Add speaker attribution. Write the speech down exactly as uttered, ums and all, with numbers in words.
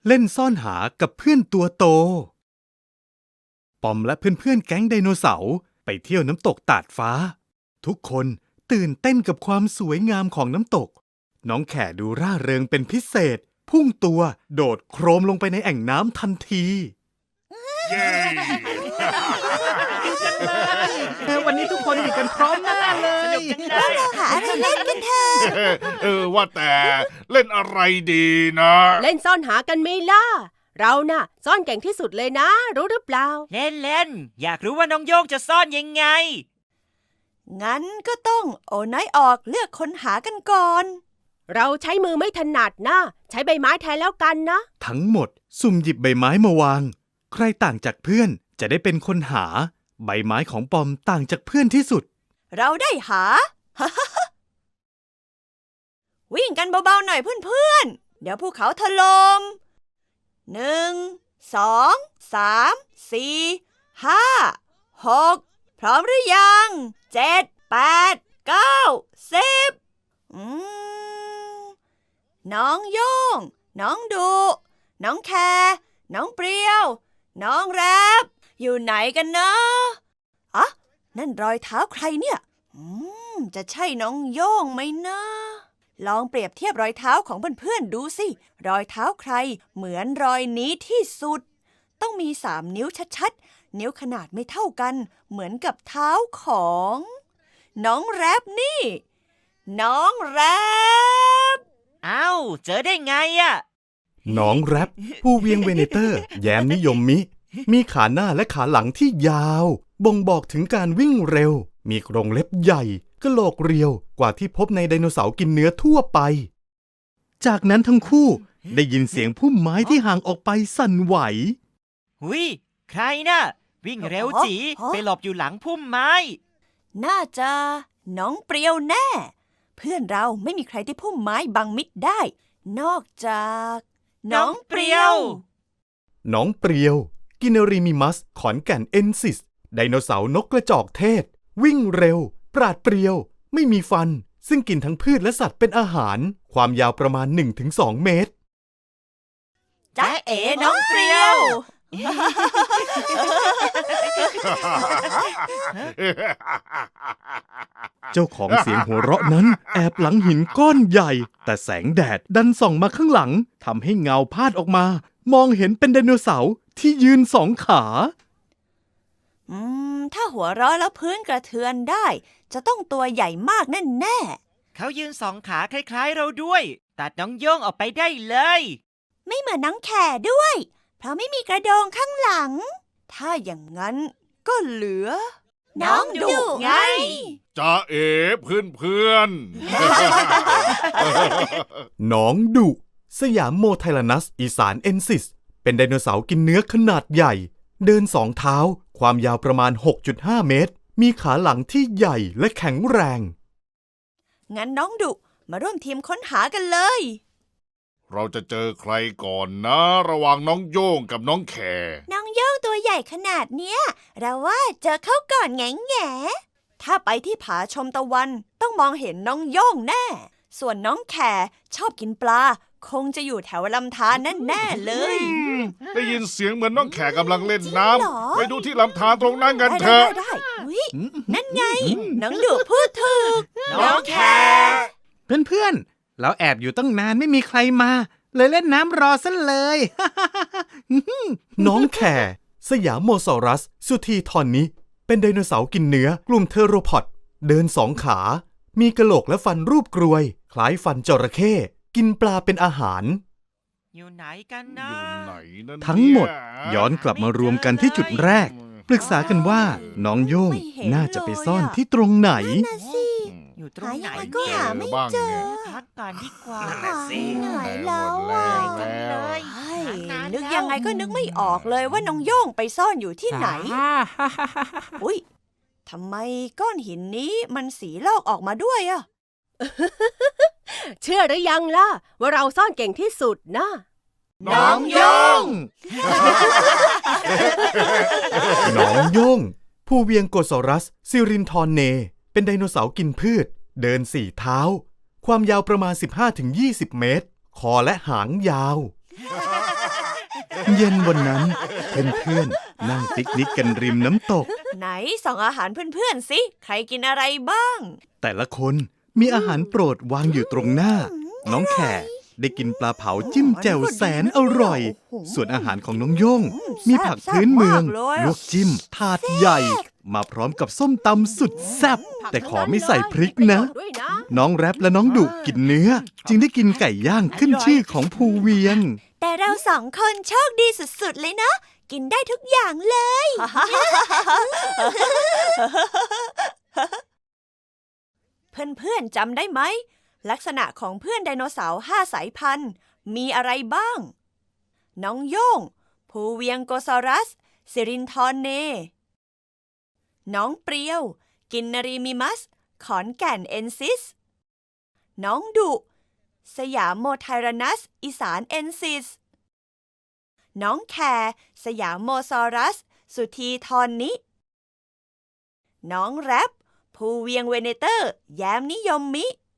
Speaker 1: เล่นซ่อนหากับเพื่อนตัวโตปอมและเพื่อนๆแก๊งไดโนเสาร์ไปเที่ยวน้ำตกตาดฟ้าทุกคนตื่นเต้นกับความสวยงามของน้ำตกน้องแข่ดูร่าเริงเป็นพิเศษพุ่งตัวโดดโครมลงไปในแอ่งน้ำทันที
Speaker 2: เย้
Speaker 3: วันนี้ทุกคนอยู่กันพร้อมหน้าเลย
Speaker 4: เราหาอะไรเล่นกันเถอะ
Speaker 2: เออว่าแต่เล่นอะไรดีนะ
Speaker 5: เล่นซ่อนหากันไหมล่ะเราน่ะซ่อนเก่งที่สุดเลยนะรู้หรือเปล่า
Speaker 6: เล่นเล่นอยากรู้ว่าน้องโย่งจะซ่อนยังไง
Speaker 4: งั้นก็ต้องโอ้น้อยออกเลือกคนหากันก่อน
Speaker 5: เราใช้มือไม่ถนัดนะใช้ใบไม้แทนแล้วกันนะ
Speaker 1: ทั้งหมดสุ่มหยิบใบไม้มาวางใครต่างจากเพื่อนจะได้เป็นคนหาใบไม้ของปอมต่างจากเพื่อนที่สุด
Speaker 4: เราได้หา วิ่งกันเบาๆหน่อยเพื่อนๆเดี๋ยวภูเขาถล่มหนึ่งสองสามสี่ห้าหกพร้อมหรือยังเจ็ดแปดเก้าสิบอืมน้องโย่งน้องดุน้องแคน้องเปรี้ยวน้องแรปอยู่ไหนกันนะอ่ะนั่นรอยเท้าใครเนี่ยอืมจะใช่น้องโย่งไหมนะลองเปรียบเทียบรอยเท้าของเพื่อนๆดูสิรอยเท้าใครเหมือนรอยนี้ที่สุดต้องมีสามนิ้วชัดๆนิ้วขนาดไม่เท่ากันเหมือนกับเท้าของน้องแรปนี่น้องแรป
Speaker 6: อ้าวเจอได้ไงอะ
Speaker 1: น้องแรปผู้เวียงเวเนเตอร์แย้มนิยมมิมีขาหน้าและขาหลังที่ยาวบ่งบอกถึงการวิ่งเร็วมีกรงเล็บใหญ่กะโหลกเรียวกว่าที่พบในไดโนเสาร์กินเนื้อทั่วไปจากนั้นทั้งคู่ได้ยินเสียงพุ่มไม้ที่ห่างออกไปสั่นไหว
Speaker 6: หุยใครน่ะวิ่งเร็วจีไปหลบอยู่หลังพุ่มไม้
Speaker 4: น่าจะน้องเปรียวแน่เพื่อนเราไม่มีใครที่พุ่มไม้บังมิดได้นอกจากน้องเปรียว
Speaker 1: น้องเปรียวกินริมิมัสขอนแก่นเอนซิสไดโนเสาร์นกกระจอกเทศวิ่งเร็วปราดเปรียวไม่มีฟันซึ่งกินทั้งพืชและสัตว์เป็นอาหารความยาวประมาณ หนึ่งถึงสอง เมตร
Speaker 4: จ๊ะเอ๋น้องเปรียว
Speaker 1: เจ้าของเสียงหัวเราะนั้นแอบหลังหินก้อนใหญ่แต่แสงแดดดันส่องมาข้างหลังทำให้เงาพาดออกมามองเห็นเป็นไดโนเสาร์ที่ยืนสองขา
Speaker 4: อืมถ้าหัวเราะแล้วพื้นกระเทือนได้จะต้องตัวใหญ่มากแน่แน่
Speaker 6: เขายืนสองขาคล้ายๆเราด้วยตัดน้องโย่งออกไปได้เลย
Speaker 4: ไม่เหมือนน้องแข่ด้วยเพราะไม่มีกระโดงข้างหลังถ้าอย่างนั้นก็เหลือน้องดุไง
Speaker 2: จ้าเอ๋เพื่อนเพื่อน
Speaker 1: น้องดุสยามโมไทลานัสอีสานเอนซิสเป็นไดโนเสาร์กินเนื้อขนาดใหญ่เดินสองเท้าความยาวประมาณ หกจุดห้า เมตรมีขาหลังที่ใหญ่และแข็งแรง
Speaker 4: งั้นน้องดุมาร่วมทีมค้นหากันเลย
Speaker 2: เราจะเจอใครก่อนนะระหว่างน้องโย่งกับน้องแค
Speaker 4: น้องโย่งตัวใหญ่ขนาดเนี้ยเราว่าเจอเขาก่อนแง่แง่ถ้าไปที่ผาชมตะวันต้องมองเห็นน้องโย่งแน่ส่วนน้องแคชอบกินปลาคงจะอยู่แถวลำธารแน่ๆเลย
Speaker 2: ได้ยินเสียงเหมือนน้องแขกำลังเล่นน้ำไปดูที่ลำธารตรงนั้นกันเถอะ
Speaker 4: ได้นั่นไงน้องดุพูดถูกน้องแข
Speaker 3: เพื่อนๆเราแอบอยู่ตั้งนานไม่มีใครมาเลยเล่นน้ำรอซะเลย
Speaker 1: น้องแคสยามโมซอรัสสุธีทอนนี้เป็นไดโนเสาร์กินเนื้อกลุ่มเทโรพอดเดินสองขามีกะโหลกและฟันรูปกรวยคล้ายฟันจระเข้กินปลาเป็นอาหาร
Speaker 6: อยู่ไหนกันนะ
Speaker 1: ทั้งหมดย้อนกลับมารวมกันที่จุดแรกปรึกษากันว่าน้องโย่งน่าจะไปซ่อนที่ตรงไหน
Speaker 6: อยู่ตรงไหน
Speaker 4: ก็หาไม่เจอ
Speaker 6: พักกันดีกว่า
Speaker 4: เหนื่อยแล้วเลยนึกยังไงก็นึกไม่ออกเลยว่าน้องโย่งไปซ่อนอยู่ที่ไหนอุ้ยทำไมก้อนหินนี้มันสีลอกออกมาด้วยอะ
Speaker 5: เชื่อหรือยังล่ะว่าเราซ่อนเก่งที่สุดนะ
Speaker 4: น้องโย่ง
Speaker 1: น้องโย่งผู้เวียงโกซอรัสซิรินทอนเนเป็นไดโนเสาร์กินพืชเดินสี่เท้าความยาวประมาณ สิบห้าถึงยี่สิบ เมตรคอและหางยาวเย็นวันนั้นเพื่อนๆนั่งปิกนิกกันริมน้ำตก
Speaker 4: ไหนส่องอาหารเพื่อนๆสิ ใครกินอะไรบ้าง
Speaker 1: แต่ละคนมีอาหารโปรดวางอยู่ตรงหน้า น้องแขกได้กินปลาเผาจิ้มแจ่วแสนอร่อย ส่วนอาหารของน้องโย่งมีผักพื้นเมืองลวกจิ้มถาดใหญ่ มาพร้อมกับส้มตำสุดแซ่บแต่ขอไม่ใส่พริกนะ
Speaker 5: ด้วยนะ
Speaker 1: น้องแรปและน้องดุกินเนื้อ จึงได้กินไก่ย่างขึ้นชื่อของภูเวียง
Speaker 4: แต่เราสองคนโชคดีสุดๆเลยนะ กินได้ทุกอย่างเลย เพื่อนๆจำได้ไหม ลักษณะของเพื่อนไดโนเสาร์ห้าสายพันธุ์มีอะไรบ้าง น้องโย่งภูเวียงโกซอรัสซิรินทรเน น้องเปรียวกินนรีมิมัสขอนแก่นเอนซิส น้องดุสยามโมไทรานัสอีสานเอนซิส น้องแคร์สยามโมซอรัสสุธีทรนิ น้องแรปภูเวียงเวเนเตอร์แย้มนิยมมิ